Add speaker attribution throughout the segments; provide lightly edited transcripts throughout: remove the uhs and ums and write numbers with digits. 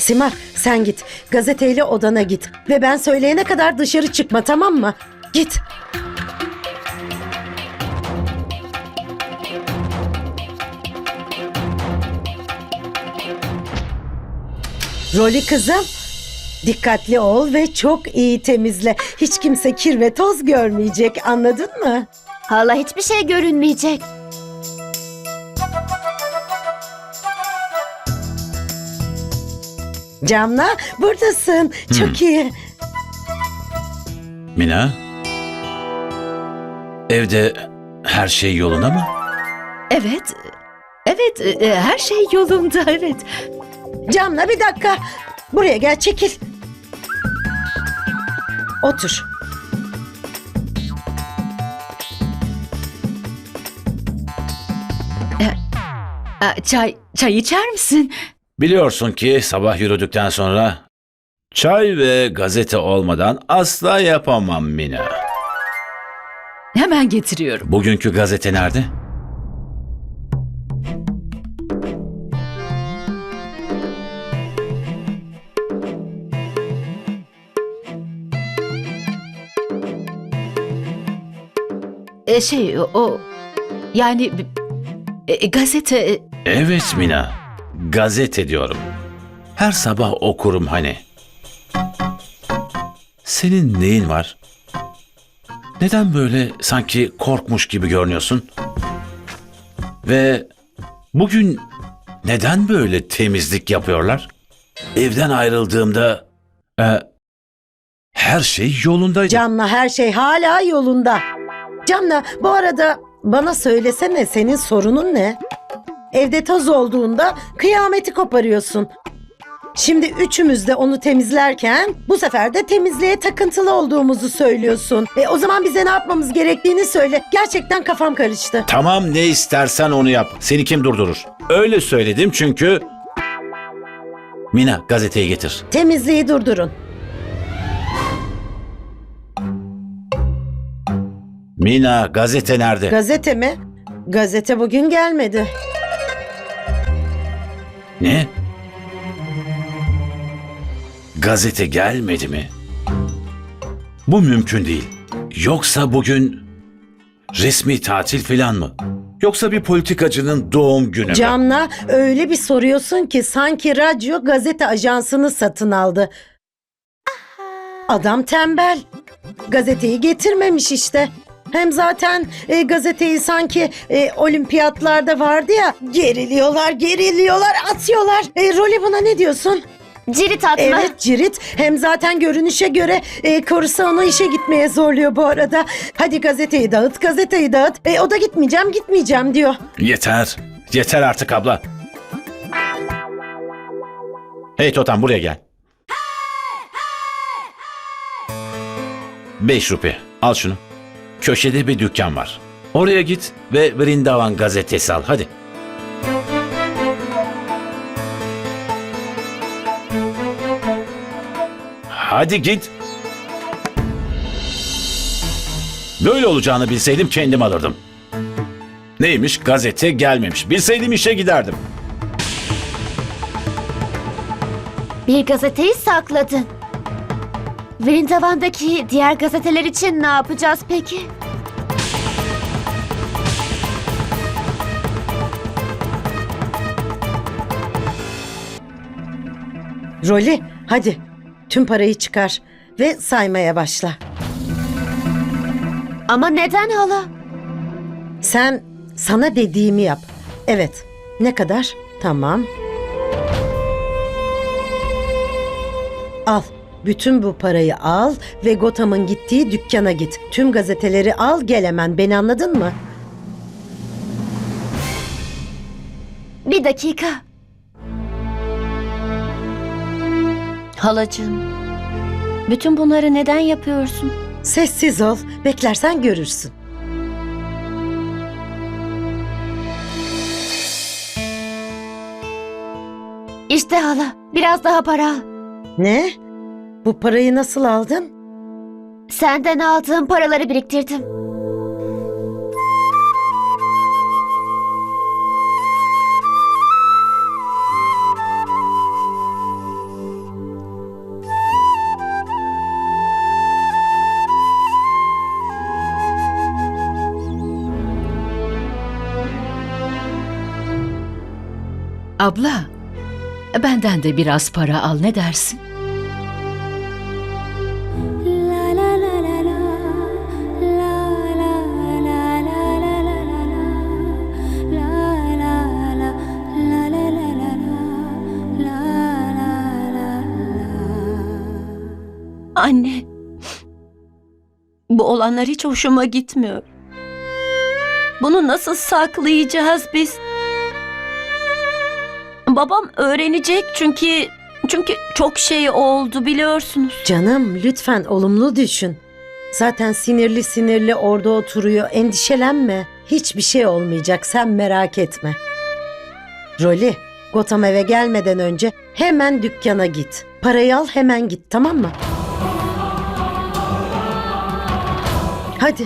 Speaker 1: Simar, sen git. Gazeteyle odana git. Ve ben söyleyene kadar dışarı çıkma, tamam mı? Git. Rolly kızım, dikkatli ol ve çok iyi temizle. Hiç kimse kir ve toz görmeyecek, anladın mı?
Speaker 2: Hala hiçbir şey görünmeyecek.
Speaker 1: Camla, buradasın. Çok iyi.
Speaker 3: Mina, evde her şey yolunda mı?
Speaker 4: Evet. Evet, her şey yolunda, evet.
Speaker 1: Camla, bir dakika. Buraya gel, çekil. Otur.
Speaker 4: Çay içer misin?
Speaker 3: Biliyorsun ki sabah yürüdükten sonra çay ve gazete olmadan asla yapamam Mina.
Speaker 4: Hemen getiriyorum.
Speaker 3: Bugünkü gazete nerede?
Speaker 4: Yani gazete.
Speaker 3: Evet Mina, gazete diyorum. Her sabah okurum hani. Senin neyin var? Neden böyle sanki korkmuş gibi görünüyorsun? Ve bugün neden böyle temizlik yapıyorlar? Evden ayrıldığımda her şey yolundaydı.
Speaker 1: Camla, her şey hala yolunda. Camla, bu arada bana söylesene, senin sorunun ne? Evde toz olduğunda kıyameti koparıyorsun. Şimdi üçümüz de onu temizlerken bu sefer de temizliğe takıntılı olduğumuzu söylüyorsun. O zaman bize ne yapmamız gerektiğini söyle. Gerçekten kafam karıştı.
Speaker 3: Tamam, ne istersen onu yap. Seni kim durdurur? Öyle söyledim çünkü... Mina, gazeteyi getir.
Speaker 1: Temizliği durdurun.
Speaker 3: Mina, gazete nerede?
Speaker 1: Gazete mi? Gazete bugün gelmedi.
Speaker 3: Ne? Gazete gelmedi mi? Bu mümkün değil. Yoksa bugün resmi tatil falan mı? Yoksa bir politikacının doğum günü mü?
Speaker 1: Camla, öyle bir soruyorsun ki sanki radyo gazete ajansını satın aldı. Adam tembel. Gazeteyi getirmemiş işte. Hem zaten gazeteyi sanki olimpiyatlarda vardı ya, geriliyorlar, atıyorlar. Rolly, buna ne diyorsun?
Speaker 2: Cirit atma.
Speaker 1: Evet, cirit. Hem zaten görünüşe göre korusa onu işe gitmeye zorluyor bu arada. Hadi gazeteyi dağıt. O da gitmeyeceğim diyor.
Speaker 3: Yeter artık abla. Hey Totem, buraya gel. 5 rupi, al şunu. Köşede bir dükkan var. Oraya git ve Vrindavan gazetesi al, hadi. Hadi git. Böyle olacağını bilseydim kendim alırdım. Neymiş, gazete gelmemiş. Bilseydim işe giderdim.
Speaker 2: Bir gazeteyi sakladın. Vrindavan'daki diğer gazeteler için ne yapacağız peki?
Speaker 1: Rolly, hadi tüm parayı çıkar ve saymaya başla.
Speaker 2: Ama neden hala?
Speaker 1: Sen sana dediğimi yap. Evet. Ne kadar? Tamam. Al. Bütün bu parayı al ve Gotham'ın gittiği dükkana git. Tüm gazeteleri al, gel hemen. Beni anladın mı?
Speaker 2: Bir dakika.
Speaker 5: Halacığım, bütün bunları neden yapıyorsun?
Speaker 1: Sessiz ol. Beklersen görürsün.
Speaker 2: İşte hala, biraz daha para al.
Speaker 1: Ne? Bu parayı nasıl aldın?
Speaker 2: Senden aldığım paraları biriktirdim.
Speaker 4: Abla, benden de biraz para al, ne dersin?
Speaker 5: Anne, bu olanlar hiç hoşuma gitmiyor. Bunu nasıl saklayacağız biz? Babam öğrenecek çünkü çok şey oldu biliyorsunuz.
Speaker 1: Canım lütfen olumlu düşün. Zaten sinirli sinirli orada oturuyor. Endişelenme. Hiçbir şey olmayacak. Sen merak etme. Rolly, Gotham eve gelmeden önce hemen dükkana git. Parayı al, hemen git, tamam mı? Hadi.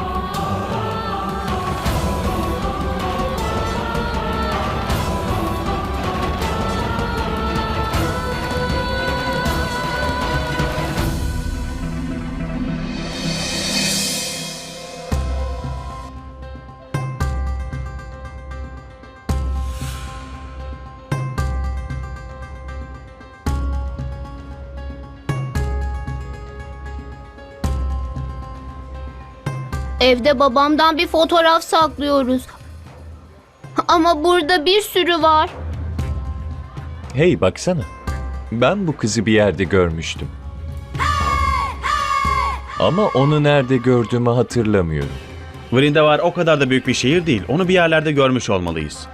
Speaker 6: Evde babamdan bir fotoğraf saklıyoruz. Ama burada bir sürü var.
Speaker 7: Hey baksana. Ben bu kızı bir yerde görmüştüm. Ama onu nerede gördüğümü hatırlamıyorum.
Speaker 8: Vrindavar o kadar da büyük bir şehir değil. Onu bir yerlerde görmüş olmalıyız.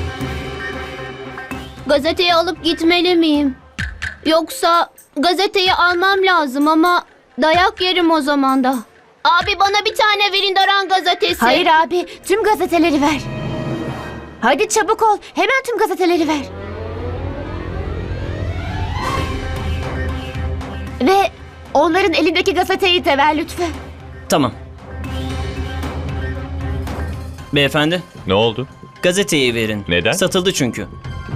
Speaker 6: Gazeteyi alıp gitmeli miyim? Yoksa gazeteyi almam lazım ama dayak yerim o zaman da. Abi bana bir tane Vrindavan gazetesi.
Speaker 2: Hayır abi, tüm gazeteleri ver. Hadi çabuk ol, hemen tüm gazeteleri ver. Ve onların elindeki gazeteyi de ver lütfen.
Speaker 9: Tamam. Beyefendi,
Speaker 7: Ne oldu?
Speaker 9: gazeteyi verin.
Speaker 7: Neden?
Speaker 9: Satıldı çünkü.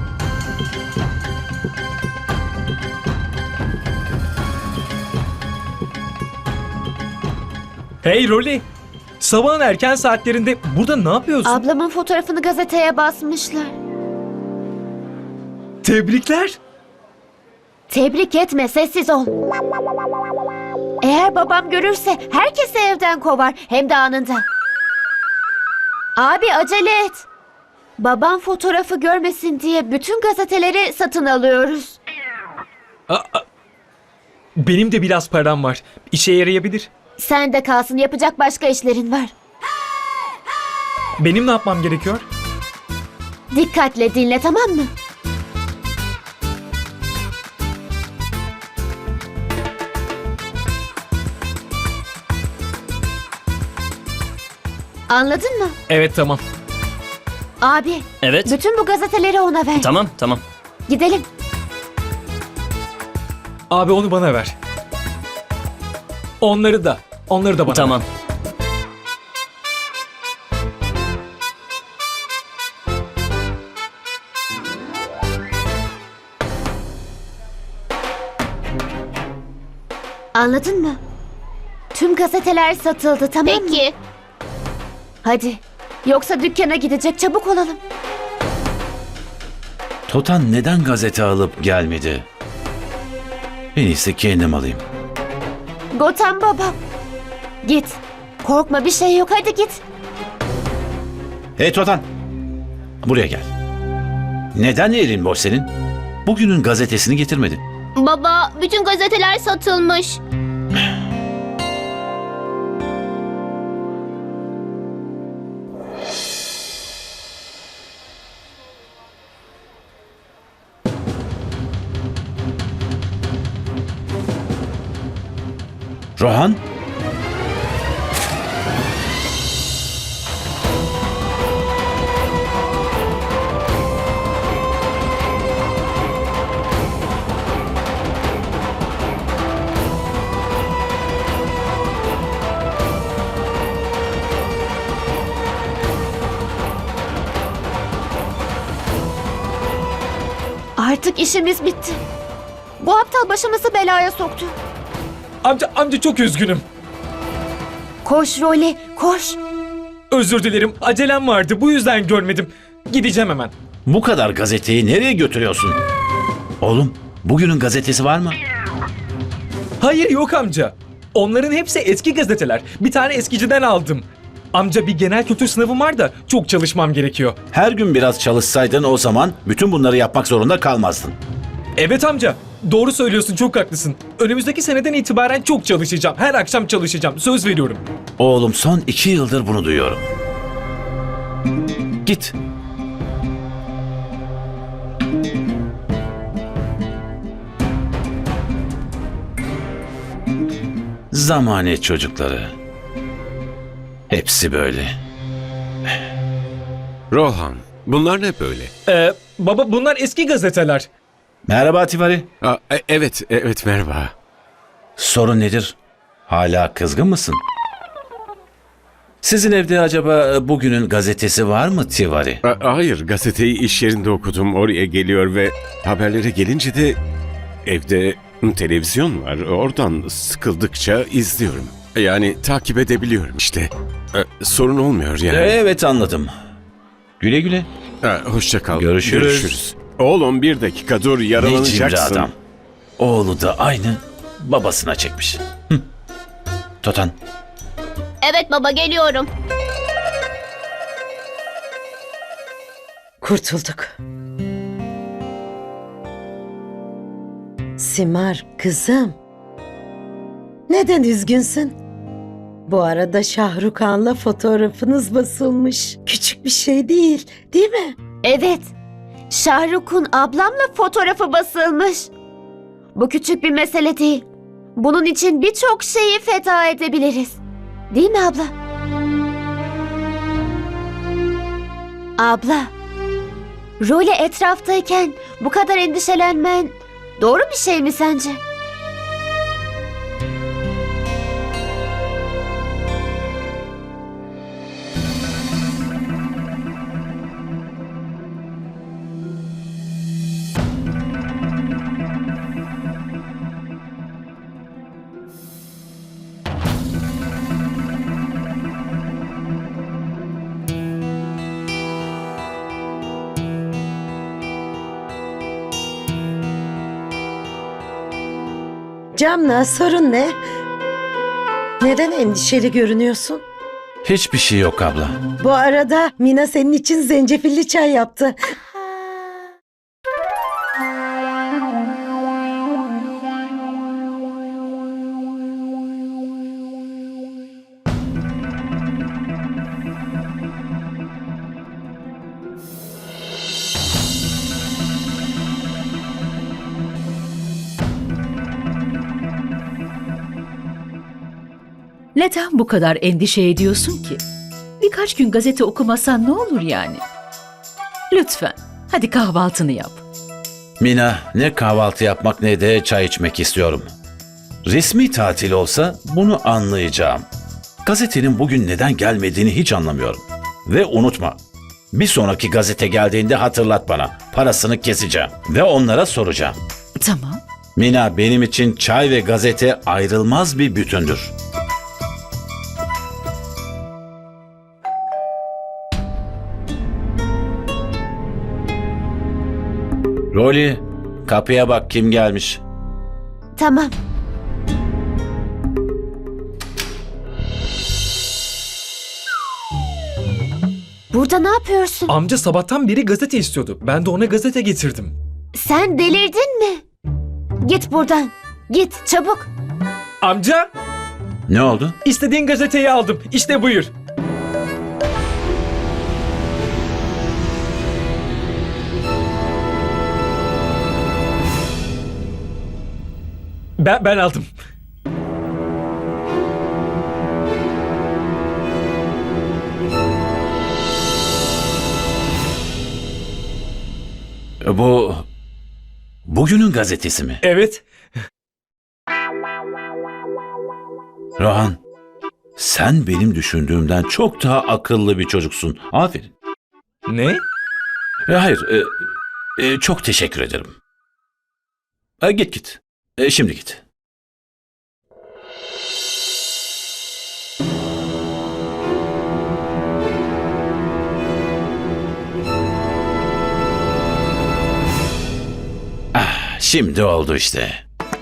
Speaker 10: Hey Rolly! Sabahın erken saatlerinde burada ne yapıyorsun?
Speaker 2: Ablamın fotoğrafını gazeteye basmışlar.
Speaker 10: Tebrikler!
Speaker 2: Tebrik etme, sessiz ol. Eğer babam görürse herkesi evden kovar, hem de anında. Abi acele et. Babam fotoğrafı görmesin diye bütün gazeteleri satın alıyoruz.
Speaker 10: Benim de biraz param var. İşe yarayabilir.
Speaker 2: Sen de kalsın, yapacak başka işlerin var.
Speaker 10: Benim ne yapmam gerekiyor?
Speaker 2: Dikkatle dinle, tamam mı? Anladın mı?
Speaker 10: Evet tamam.
Speaker 2: Abi,
Speaker 9: Evet.
Speaker 2: bütün bu gazeteleri ona ver.
Speaker 9: Tamam.
Speaker 2: Gidelim.
Speaker 10: Abi onu bana ver. Onları da bana
Speaker 9: Tamam.
Speaker 10: ver.
Speaker 2: Anladın mı? Tüm gazeteler satıldı, tamam mı?
Speaker 6: Peki.
Speaker 2: Hadi. Yoksa dükkana gidecek, çabuk olalım.
Speaker 3: Totan neden gazete alıp gelmedi? En iyisi kendim alayım.
Speaker 2: Gotham babam. Git. Korkma, bir şey yok, hadi git.
Speaker 3: Hey Totan! Buraya gel. Neden elin boş senin? Bugünün gazetesini getirmedin.
Speaker 6: Baba, bütün gazeteler satılmış.
Speaker 3: Rohan?
Speaker 2: Artık işimiz bitti. Bu aptal başımızı belaya soktu.
Speaker 10: Amca çok üzgünüm.
Speaker 2: Koş Rolly, koş.
Speaker 10: Özür dilerim. Acelem vardı. Bu yüzden görmedim. Gideceğim hemen.
Speaker 3: Bu kadar gazeteyi nereye götürüyorsun? Oğlum, bugünün gazetesi var mı?
Speaker 10: Hayır yok amca. Onların hepsi eski gazeteler. Bir tane eskiciden aldım. Amca bir genel kültür sınavım var da çok çalışmam gerekiyor.
Speaker 3: Her gün biraz çalışsaydın o zaman bütün bunları yapmak zorunda kalmazdın.
Speaker 10: Evet amca. Doğru söylüyorsun, çok haklısın. Önümüzdeki seneden itibaren çok çalışacağım. Her akşam çalışacağım. Söz veriyorum.
Speaker 3: Oğlum son 2 yıldır bunu duyuyorum. Git. Zamane çocukları. Hepsi böyle.
Speaker 11: Rohan, bunlar ne böyle?
Speaker 10: Baba bunlar eski gazeteler.
Speaker 3: Merhaba Tivari.
Speaker 11: Evet merhaba.
Speaker 3: Sorun nedir? Hala kızgın mısın? Sizin evde acaba bugünün gazetesi var mı Tivari?
Speaker 11: Hayır, gazeteyi iş yerinde okudum. Oraya geliyor ve haberlere gelince de evde televizyon var. Oradan sıkıldıkça izliyorum. Yani takip edebiliyorum işte. Sorun olmuyor yani.
Speaker 3: Evet anladım. Güle güle.
Speaker 11: Hoşça kal.
Speaker 3: Görüşürüz.
Speaker 11: Oğlum bir dakika dur,
Speaker 3: Ne cimri
Speaker 11: yaralanacaksın.
Speaker 3: adam. Oğlu da aynı babasına çekmiş. Hı. Totan.
Speaker 6: Evet baba, geliyorum.
Speaker 1: Kurtulduk. Simar kızım. Neden üzgünsün? Bu arada Şahrukhan'la fotoğrafınız basılmış. Küçük bir şey değil, değil mi?
Speaker 2: Evet. Şahruk'un ablamla fotoğrafı basılmış. Bu küçük bir mesele değil. Bunun için birçok şeyi feda edebiliriz. Değil mi abla? Abla, Role etraftayken bu kadar endişelenmen doğru bir şey mi sence?
Speaker 1: Camla, sorun ne? Neden endişeli görünüyorsun?
Speaker 3: Hiçbir şey yok abla.
Speaker 1: Bu arada Mina senin için zencefilli çay yaptı.
Speaker 4: Neden bu kadar endişe ediyorsun ki? Birkaç gün gazete okumasan ne olur yani? Lütfen, hadi kahvaltını yap.
Speaker 3: Mina, ne kahvaltı yapmak ne de çay içmek istiyorum. Resmi tatil olsa bunu anlayacağım. Gazetenin bugün neden gelmediğini hiç anlamıyorum. Ve unutma, bir sonraki gazete geldiğinde hatırlat bana. Parasını keseceğim ve onlara soracağım.
Speaker 4: Tamam.
Speaker 3: Mina, benim için çay ve gazete ayrılmaz bir bütündür. Rolly, kapıya bak kim gelmiş.
Speaker 2: Tamam. Burada ne yapıyorsun?
Speaker 10: Amca sabahtan beri gazete istiyordu. Ben de ona gazete getirdim.
Speaker 2: Sen delirdin mi? Git buradan. Git çabuk.
Speaker 10: Amca,
Speaker 3: Ne oldu?
Speaker 10: istediğin gazeteyi aldım. İşte buyur. Ben aldım.
Speaker 3: Bu... Bugünün gazetesi mi?
Speaker 10: Evet.
Speaker 3: Rohan, sen benim düşündüğümden çok daha akıllı bir çocuksun. Aferin.
Speaker 10: Ne?
Speaker 3: Hayır, çok teşekkür ederim. Git. Şimdi git. Şimdi oldu işte.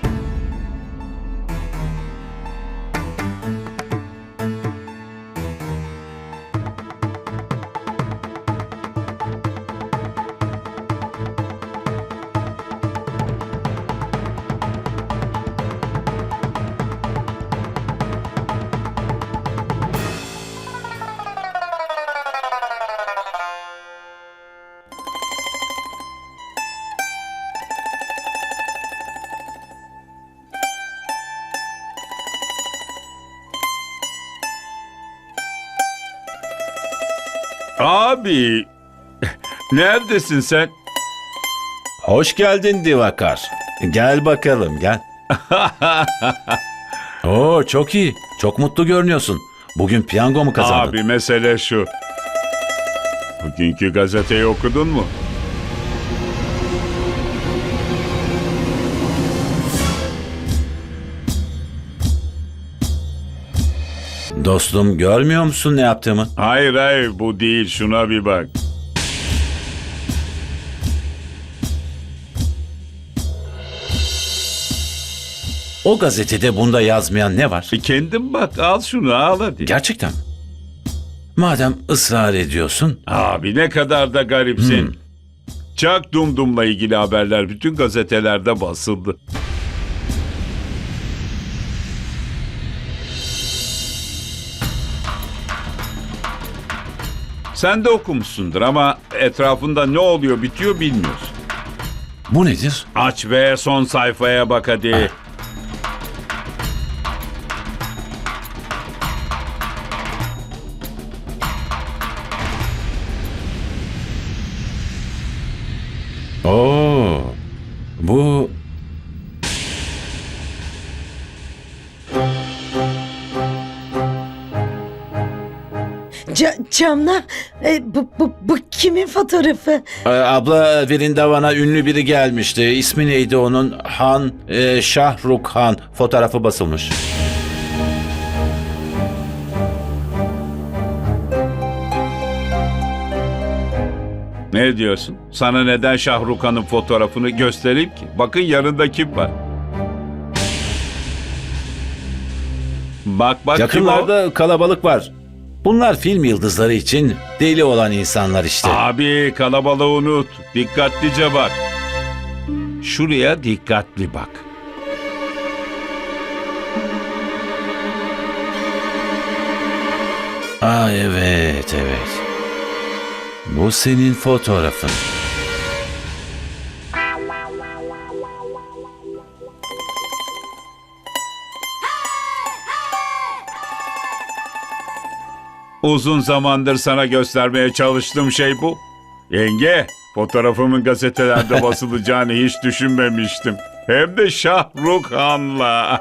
Speaker 12: Abi, neredesin sen?
Speaker 3: Hoş geldin Divakar. Gel bakalım gel. Oo çok iyi. Çok mutlu görünüyorsun. Bugün piyango mu kazandın?
Speaker 12: Abi mesele şu. Bugünkü gazeteyi okudun mu?
Speaker 3: Dostum görmüyor musun ne yaptığımı?
Speaker 12: Hayır bu değil, şuna bir bak.
Speaker 3: O gazetede bunda yazmayan ne var?
Speaker 12: Kendin bak, al şunu al hadi.
Speaker 3: Gerçekten mi? Madem ısrar ediyorsun.
Speaker 12: Abi ne kadar da garipsin. Çak Dumdum'la ilgili haberler bütün gazetelerde basıldı. Sen de okumuşsundur ama etrafında ne oluyor bitiyor bilmiyorsun.
Speaker 3: Bu nedir?
Speaker 12: Aç ve son sayfaya bak hadi.
Speaker 3: Oo, bu...
Speaker 1: Camla, bu kimin fotoğrafı?
Speaker 3: Abla Vrindavan'a ünlü biri gelmişti. İsmi neydi onun? Şahrukh Han. Fotoğrafı basılmış.
Speaker 12: Ne diyorsun? Sana neden Şahrukh Han'ın fotoğrafını göstereyim ki? Bakın yanında kim var? Bak kim o?
Speaker 3: Yakınlarda kalabalık var. Bunlar film yıldızları için deli olan insanlar işte.
Speaker 12: Abi kalabalığı unut. Dikkatlice bak. Şuraya dikkatli bak.
Speaker 3: Aa evet. Bu senin fotoğrafın.
Speaker 12: Uzun zamandır sana göstermeye çalıştığım şey bu. Yenge, fotoğrafımın gazetelerde basılacağını hiç düşünmemiştim. Hem de Şahrukh Han'la.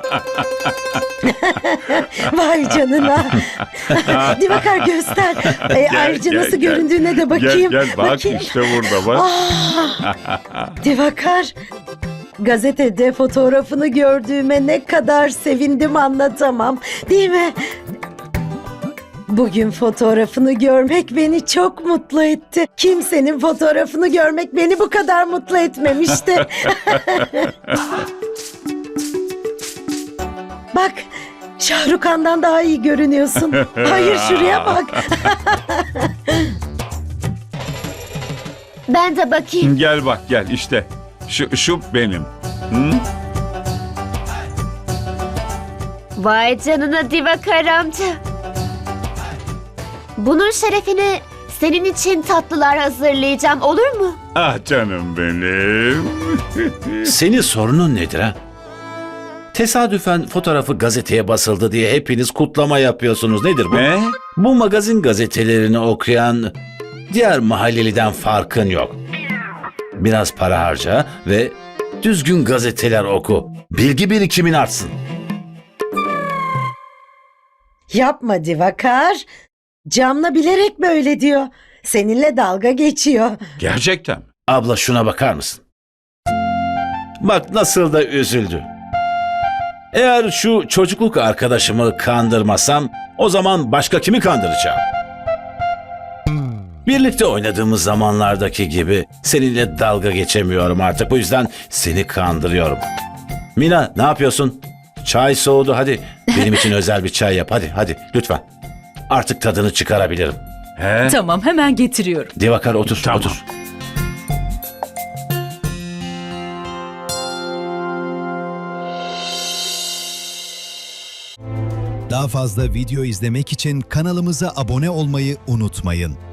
Speaker 1: Vay canına. Divakar göster. Ayrıca
Speaker 12: gel,
Speaker 1: nasıl
Speaker 12: gel.
Speaker 1: göründüğüne de bakayım.
Speaker 12: Gel bak
Speaker 1: Bakayım.
Speaker 12: işte burada bak.
Speaker 1: Divakar, gazetede fotoğrafını gördüğüme ne kadar sevindim anlatamam. Değil mi? Bugün fotoğrafını görmek beni çok mutlu etti. Kimsenin fotoğrafını görmek beni bu kadar mutlu etmemişti. Bak, Şahrukh Han'dan daha iyi görünüyorsun. Hayır, şuraya bak.
Speaker 2: Ben de bakayım.
Speaker 12: Gel bak gel işte. Şu benim. Hı?
Speaker 2: Vay canına Divakar amca. Bunun şerefine senin için tatlılar hazırlayacağım, olur mu?
Speaker 12: Ah canım benim.
Speaker 3: Senin sorunun nedir ha? Tesadüfen fotoğrafı gazeteye basıldı diye hepiniz kutlama yapıyorsunuz. Nedir bu?
Speaker 12: Ne?
Speaker 3: Bu magazin gazetelerini okuyan diğer mahalleliden farkın yok. Biraz para harca ve düzgün gazeteler oku. Bilgi birikimin artsın.
Speaker 1: Yapma Divakar. Camla bilerek böyle diyor. Seninle dalga geçiyor.
Speaker 12: Gerçekten mi?
Speaker 3: Abla şuna bakar mısın? Bak nasıl da üzüldü. Eğer şu çocukluk arkadaşımı kandırmasam o zaman başka kimi kandıracağım? Birlikte oynadığımız zamanlardaki gibi seninle dalga geçemiyorum artık. Bu yüzden seni kandırıyorum. Mina, ne yapıyorsun? Çay soğudu, hadi. Benim için özel bir çay yap, hadi lütfen. Artık tadını çıkarabilirim.
Speaker 12: He?
Speaker 4: Tamam, hemen getiriyorum.
Speaker 3: Divakar otur,
Speaker 12: Tamam.
Speaker 3: otur.
Speaker 13: Daha fazla video izlemek için kanalımıza abone olmayı unutmayın.